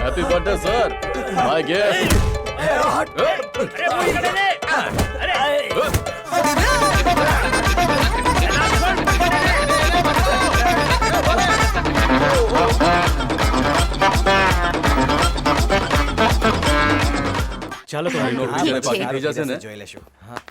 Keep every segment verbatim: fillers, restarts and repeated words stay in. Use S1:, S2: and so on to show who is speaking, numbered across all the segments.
S1: Happy birthday sir my gift
S2: अरे वो इधर ले अरे
S3: ચાલો તો
S1: નો બીજાને પાર્ટી થઈ જશે ને
S4: જોઈ લેશું. હા.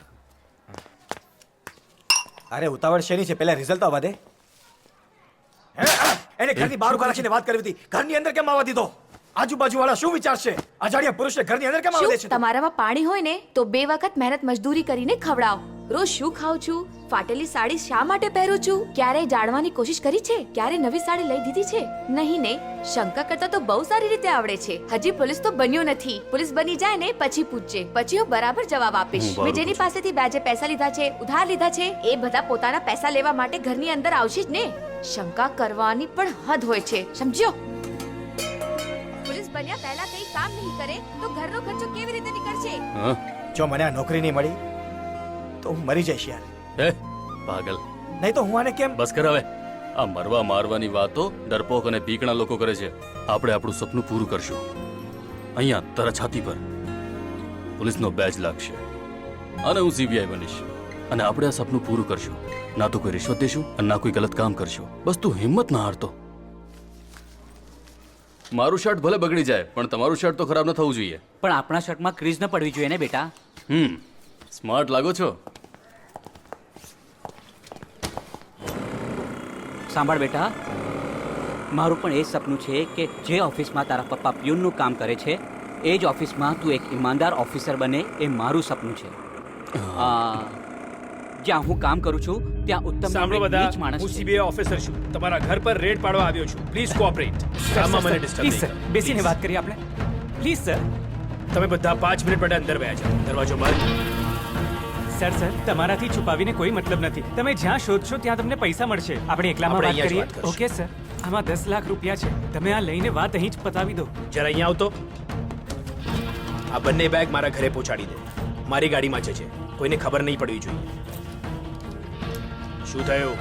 S4: અરે ઉતાવળ શેની છે? પહેલા રિઝલ્ટ આવવા દે. હે? એને ઘરની બહાર ઉભા રાખીને વાત કરવી હતી. ઘરની અંદર કેમ આવવા દીધો? આજુબાજુ વાળા શું વિચારશે? અજાણ્યા પુરુષને ઘરની અંદર કેમ આવવા દે
S5: શું
S4: છે?
S5: તમારામાં પાણી હોય ને તો બે વખત મહેનત મજદૂરી કરીને ખવડાવો. રોજ શું ખાઉં છું? ફાટેલી સાડી શા માટે પહેરું છું? ક્યારેય જાણવાની કોશિશ કરી છે? ક્યારે નવી સાડી લઈ દીધી છે? નહીં ને. શંકા કરતા તો બહુ સારી રીતે આવડે છે. હજી પોલીસ તો બન્યો નથી. પોલીસ બની જાય ને પછી પૂછજે. પછી હું બરાબર જવાબ આપીશ. મેં જેની પાસેથી વ્યાજે પૈસા લીધા છે, ઉધાર લીધા છે, એ બધા પોતાના પૈસા લેવા માટે ઘરની અંદર આવશે જ ને. શંકા કરવાની પણ હદ હોય છે, સમજ્યો? પોલીસ બન્યા પહેલા કઈ કામ નહીં કરે તો ઘરનો ખર્ચો કેવી રીતે નીકળશે?
S1: હા
S4: જો મને આ નોકરી નહીં મળી તો હું મરી જઈશ યાર.
S1: એ પાગલ
S4: નહીં તો હું આને કેમ
S1: બસ કર હવે. આ મરવા મારવાની વાતો ડરપોક અને પીકણા લોકો કરે છે. આપણે આપણું સપનું પૂરું કરશું. અહીંયા તારા છાતી પર પોલીસનો બેજ લાગશે અને હું સીબીઆઈ બનીશ અને આપણે આ સપનું પૂરું કરશું. ના તો કોઈ રિશ્વત દેશું અને ના કોઈ ગલત કામ કરશું. બસ તું હિંમત ના હારતો. મારું શર્ટ ભલે બગડી જાય પણ તમારું શર્ટ તો ખરાબ ન થવું જોઈએ.
S2: પણ આપણા શર્ટમાં ક્રીઝ ન પડવી જોઈએ ને બેટા.
S1: હમ સ્માર્ટ લાગો છો.
S2: સાંભળ બેટા, મારું પણ એ જ સપનું છે કે જે ઓફિસમાં તારા પપ્પા પ્યુનનું કામ કરે છે એ જ ઓફિસમાં તું એક ઈમાનદાર ઓફિસર બને. એ મારું સપનું છે. આ, જ્યાં હું કામ કરું છું ત્યાં ઉત્તમ
S3: સાંભળો
S2: નામનો એક નીચ
S3: બધા,
S2: માણસ
S3: હું
S2: છે.
S3: સીબીઆઈ ઓફિસર છું. તમારા ઘર પર રેડ પાડવા આવ્યો છું. Please cooperate. કામમાં મને ડિસ્ટર્બ
S6: પ્લીઝ સર,
S3: નહીં.
S6: બેસીને
S3: Please.
S6: વાત કરીએ આપણે. Please sir.
S3: તમે બધા પાંચ મિનિટ માટે અંદર બેસા જાઓ. દરવાજો બંધ.
S6: સર સર તમારાથી છુપાવીને કોઈ મતલબ નથી. તમે જ્યાં શોધશો ત્યાં તમને પૈસા મળશે. આપણે એકલામાં
S3: આપણે
S6: વાત
S3: અહીંયા જ
S6: કરીએ.
S3: વાત કરશું.
S6: Okay sir. આમાં દસ લાખ રૂપિયા છે. તમે આ લઈને વાત અહીં જ પતાવી દો.
S3: જરા અહીંયા આવતો. આ બંને બેગ મારા ઘરે પહોંચાડી દે. મારી ગાડીમાં જ છે. કોઈને ખબર નહીં પડવી જોઈએ. શું થયું?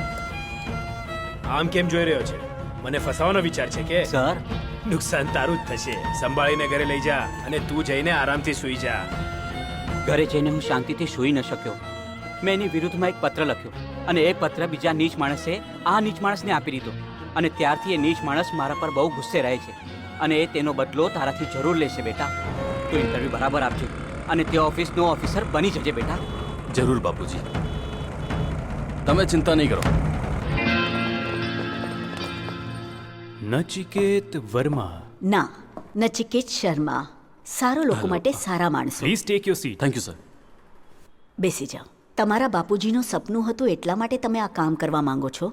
S3: આમ કેમ જોઈ રહ્યો છે? મને ફસાવાનો વિચાર છે કે?
S2: સર,
S3: નુકસાન તારું જ થશે. સંભાળીને ઘરે લઈ જા અને તું જઈને આરામથી સૂઈ જા.
S2: ઘરે જઈને હું શાંતિથી સૂઈ ન શક્યો. મેં એની વિરુદ્ધમાં એક પત્ર લખ્યો અને એ પત્ર બીજા નીચ માણસે આ નીચ માણસને આપી દીધો અને ત્યારથી એ નીચ માણસ મારા પર બહુ ગુસ્સે રહે છે અને એ તેનો બદલો તારાથી જરૂર લેશે બેટા. તું ઇન્ટરવ્યુ બરાબર આપજે અને તે ઓફિસનો ઓફિસર બની જજે બેટા.
S1: જરૂર બાપુજી, તમે ચિંતા નહીં કરો.
S6: નચિકેત વર્મા.
S7: ના, નચિકેત શર્મા. સારો લોકો માટે સારા માણસો.
S6: Please take your seat.
S1: Thank you sir.
S7: બેસી જાઓ. તમારા બાપુજીનું સપનું હતું એટલા માટે તમે આ કામ કરવા માંગો છો?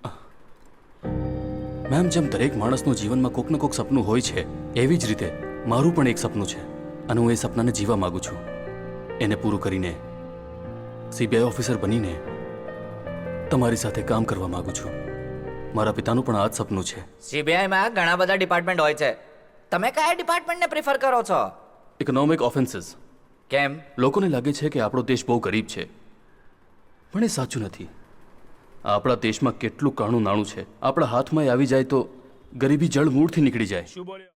S1: મેમ, જેમ દરેક માણસનું જીવનમાં કોક ને કોક સપનું હોય છે એવી જ રીતે મારું પણ એક સપનું છે અને હું એ સપનાને જીવા માંગુ છું. એને પૂરું કરીને સીબીઆઈ ઓફિસર બનીને તમારી સાથે કામ કરવા માંગુ છું. મારા પિતાનું પણ આ જ સપનું છે.
S8: સીબીઆઈમાં ઘણા બધા ડિપાર્ટમેન્ટ હોય છે. તમે કયા ડિપાર્ટમેન્ટને પ્રિફર કરો છો?
S1: Economic offences.
S8: કેમ?
S1: લોકોને લાગે છે કે આપણો દેશ બહુ ગરીબ છે પણ એ સાચું નથી. આપણા દેશમાં કેટલું કાણું નાણું છે. આપણા હાથમાં આવી જાય તો ગરીબી જળ મૂળથી નીકળી જાય.
S3: શું બોલ્યો?